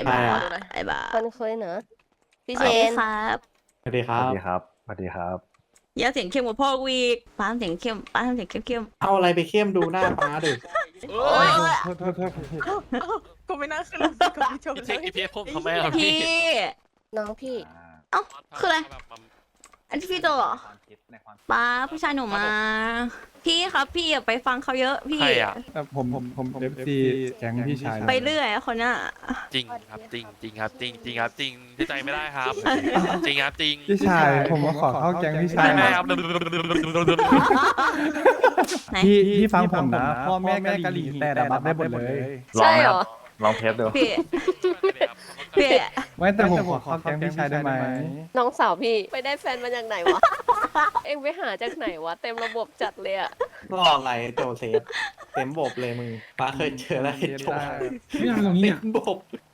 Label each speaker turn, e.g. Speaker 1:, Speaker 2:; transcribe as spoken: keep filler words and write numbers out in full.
Speaker 1: ใคร
Speaker 2: บ้า
Speaker 1: อะ
Speaker 2: ไอ้บ้า
Speaker 3: คนคุยเนอะพี่
Speaker 2: ส
Speaker 3: เช
Speaker 2: วัสดี
Speaker 3: น
Speaker 2: ครับ
Speaker 1: สวัสดีค
Speaker 4: ส
Speaker 1: รั
Speaker 4: วัส
Speaker 1: บ
Speaker 4: ดีครับสวัสดีครับ
Speaker 2: อย่าเสียงเข้มกว่าพ่อกูอีกป้าทำเสียงเข้มป้าทำเสียงเข้ม
Speaker 1: เอาอะไรไปเข้มดูหน้าป้าดิ
Speaker 2: ๆโอ้ย
Speaker 4: โทษโทษโทษ
Speaker 5: ก็ไม่น่าขึ้นรถกับพี่โจ
Speaker 6: พี่
Speaker 5: เล
Speaker 6: เช็ค
Speaker 5: ย
Speaker 6: อีพีผมทำไมครับ
Speaker 2: พี่
Speaker 6: พี่
Speaker 3: น้องพี่
Speaker 2: เอ้าคืออะไร อันที่พี่โจเหรอ
Speaker 4: ในความ
Speaker 2: ป้าผู้ชายหนูมา พี่ครับพี่อย่าไปฟังเขาเยอะพี่
Speaker 6: ใครอ่ะ
Speaker 4: เอ่อผมผมผมเอฟซีแก๊งพี่ชาย
Speaker 2: ไปเรื่อยอะคนน่ะ
Speaker 6: จริงครับจริงจริงครับจริงจริงครับจริงที่ใจไม่ได้ครับ จริงครับจริง
Speaker 4: พี่ชายผมมาขอเข้าแก๊งพี่ชาย
Speaker 6: ไม่ไม่ครับ
Speaker 2: ไหน
Speaker 4: พี่พี่ฟังผมนะพ่อแม่กะหรี่แต่ดับได้หมดเลย
Speaker 3: ใช่เหรอ
Speaker 4: ลองเทสดู
Speaker 2: พี่พี่
Speaker 4: ไม่แต่ผมขอเข้าแก๊งพี่ชายได้ไหม
Speaker 3: น้องสาวพี่ไปได้แฟนมาจากไหนวะ เอ็งไปหาจากไหนวะ เต็มระบบจัดเลยอะ
Speaker 1: รออะไรโจเซฟเต็มบบเลยมึงป้าเคยเจอแล้วไอ้โจ
Speaker 4: ไม่ทำตรงนี้
Speaker 1: เต็
Speaker 4: อ่ะ
Speaker 1: มบบ